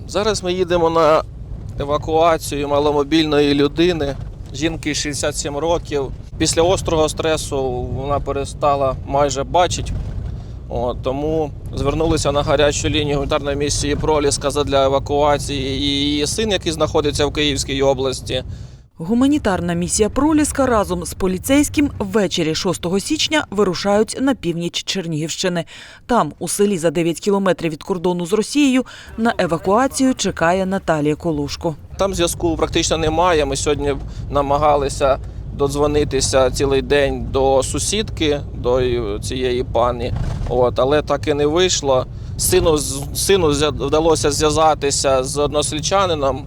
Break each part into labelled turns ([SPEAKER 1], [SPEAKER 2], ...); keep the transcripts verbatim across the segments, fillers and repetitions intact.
[SPEAKER 1] Зараз ми їдемо на евакуацію маломобільної людини, жінки шістдесят сім років. Після острого стресу вона перестала майже бачити, От, тому звернулися на гарячу лінію гуманітарної місії «Проліска» задля евакуації і її син, який знаходиться в Київській області.
[SPEAKER 2] Гуманітарна місія «Проліска» разом з поліцейським ввечері шостого січня вирушають на північ Чернігівщини. Там, у селі за дев'ять кілометрів від кордону з Росією, на евакуацію чекає Наталія Колошко.
[SPEAKER 1] Там зв'язку практично немає. Ми сьогодні намагалися додзвонитися цілий день до сусідки, до цієї пані, От, але так і не вийшло. Сину, сину вдалося зв'язатися з односельчанином,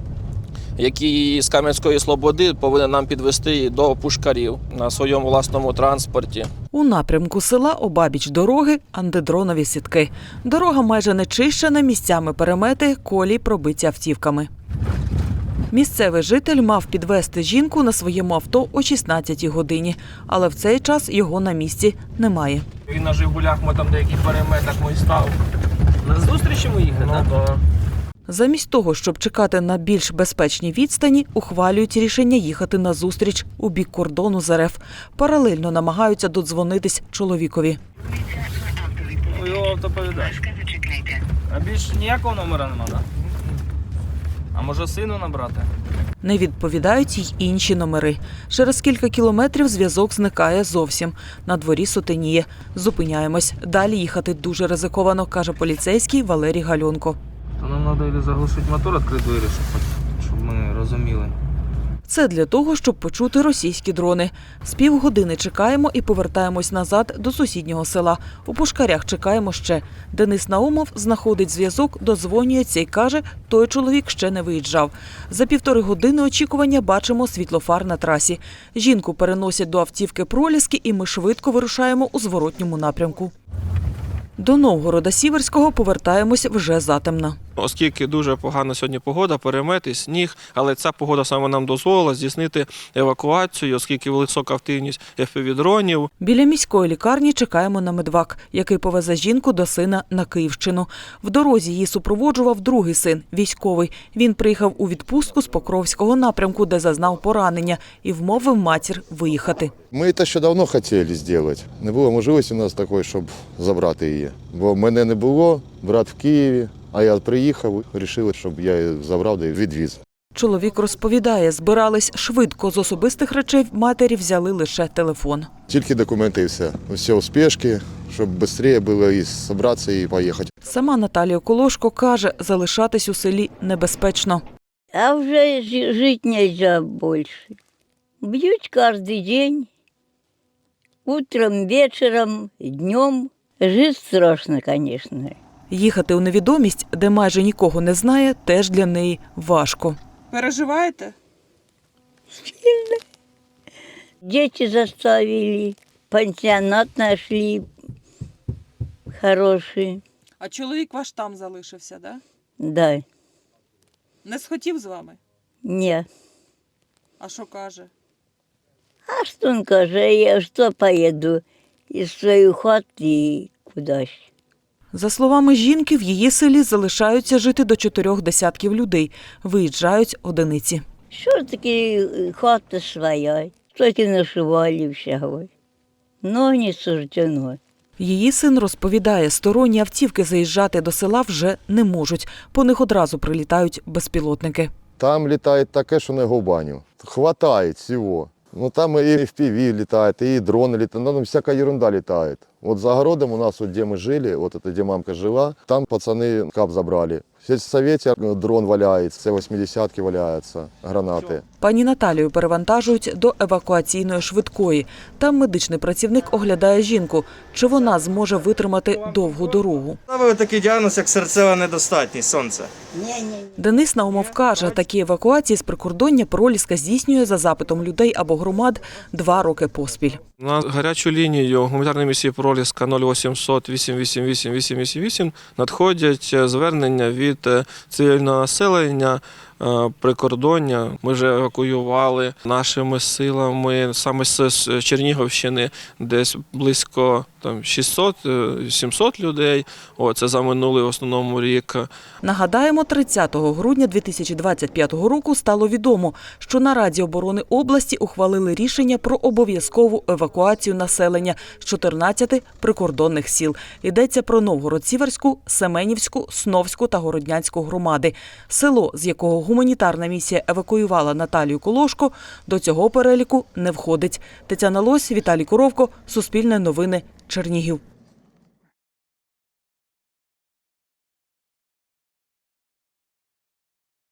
[SPEAKER 1] який з Кам'янської Слободи повинен нам підвезти до Пушкарів на своєму власному транспорті.
[SPEAKER 2] У напрямку села обабіч дороги антидронові сітки. Дорога майже не чищена, місцями перемети, колії пробиті автівками. Місцевий житель мав підвезти жінку на своєму авто о шістнадцятій годині, але в цей час його на місці немає.
[SPEAKER 1] Він на «Жигулях», ми там деяких переметах ми став.
[SPEAKER 3] На зустріч йому їхати,
[SPEAKER 1] Ну,
[SPEAKER 3] так?
[SPEAKER 1] да.
[SPEAKER 2] Замість того, щоб чекати на більш безпечній відстані, ухвалюють рішення їхати на зустріч у бік кордону з РФ. Паралельно намагаються додзвонитись чоловікові.
[SPEAKER 3] У його автоповідач. А більш ніякого номера нема, так? А може сину набрати?
[SPEAKER 2] Не відповідають й інші номери. Через кілька кілометрів зв'язок зникає зовсім. На дворі сутеніє. Зупиняємось. Далі їхати дуже ризиковано, каже поліцейський Валерій Гальонко.
[SPEAKER 3] То нам треба заглушити мотор, відкрити двері, щоб, щоб ми розуміли.
[SPEAKER 2] Це для того, щоб почути російські дрони. З півгодини чекаємо і повертаємось назад до сусіднього села. У Пушкарях чекаємо ще. Денис Наумов знаходить зв'язок, додзвонюється і каже, той чоловік ще не виїжджав. За півтори години очікування бачимо світлофар на трасі. Жінку переносять до автівки «Проліски» і ми швидко вирушаємо у зворотньому напрямку. До Новгорода Сіверського повертаємось вже затемно.
[SPEAKER 1] Оскільки дуже погана сьогодні погода, перемети, сніг, але ця погода саме нам дозволила здійснити евакуацію, оскільки висока активність еф пі ві-дронів.
[SPEAKER 2] Біля міської лікарні чекаємо на медвак, який повезе жінку до сина на Київщину. В дорозі її супроводжував другий син, військовий. Він приїхав у відпустку з Покровського напрямку, де зазнав поранення, і вмовив матір виїхати.
[SPEAKER 4] Ми це ще давно хотіли зробити. Не було можливості у нас такої, щоб забрати її. Бо мене не було, брат в Києві, а я приїхав, вирішили, щоб я її забрав і відвіз.
[SPEAKER 2] Чоловік розповідає, збирались швидко. З особистих речей матері взяли лише телефон.
[SPEAKER 4] Тільки документи і все. Все у спешці, щоб швидше було і зібратися і поїхати.
[SPEAKER 2] Сама Наталія Колошко каже, залишатись у селі небезпечно.
[SPEAKER 5] А вже жити не можна більше. Б'ють кожен день, утром, вечором, днем. Жити страшно, звісно.
[SPEAKER 2] Їхати у невідомість, де майже нікого не знає, теж для неї важко.
[SPEAKER 6] Переживаєте?
[SPEAKER 5] Сильно. Діти заставили, пансіонат знайшли хороший.
[SPEAKER 6] А чоловік ваш там залишився, да?
[SPEAKER 5] Да.
[SPEAKER 6] Не схотів з вами?
[SPEAKER 5] Ні.
[SPEAKER 6] А що каже?
[SPEAKER 5] А що він каже, я що поїду із своєї хати і кудись.
[SPEAKER 2] За словами жінки, в її селі залишаються жити до чотирьох десятків людей. Виїжджають одиниці.
[SPEAKER 5] Що таке хата своя, тільки нашивали всього. Но не суждено.
[SPEAKER 2] Її син розповідає, сторонні автівки заїжджати до села вже не можуть. По них одразу прилітають безпілотники.
[SPEAKER 4] Там літає таке, що не губаню. Хватає всього. Ну, там і еф пі ві літає, і дрони літають, ну, там всяка ерунда літає. Вот за огородом у нас, вот, где мы жили, вот это, где мамка жила, там пацаны кап забрали. В сельсовете дрон валяється, це восьмидесятки валяються, гранати.
[SPEAKER 2] Пані Наталію перевантажують до евакуаційної швидкої. Там медичний працівник оглядає жінку, чи вона зможе витримати довгу дорогу.
[SPEAKER 7] Ставили такий діагноз, як серцева недостатність, сонце.
[SPEAKER 2] Денис Наумов каже, такі евакуації з прикордоння «Проліска» здійснює за запитом людей або громад два роки поспіль.
[SPEAKER 1] На гарячу лінію гуманітарної місії «Проліска» нуль вісімсот вісім вісім вісім вісім вісім вісім надходять звернення від цивільного населення е, прикордоння. Ми вже евакуювали нашими силами саме з Чернігівщини десь близько там шістсот-сімсот людей. О, це за минулий в основному рік.
[SPEAKER 2] Нагадаємо, тридцятого грудня дві тисячі двадцять п'ятого року стало відомо, що на Раді оборони області ухвалили рішення про обов'язкову евакуацію населення з чотирнадцяти прикордонних сіл. Йдеться про Новгород-Сіверську, Семенівську, Сновську та Городнянську громади. Село, з якого гуманітарна місія евакуювала Наталію Колошко, до цього переліку не входить. Тетяна Лось, Віталій Коровко, Суспільне новини, Чернігів.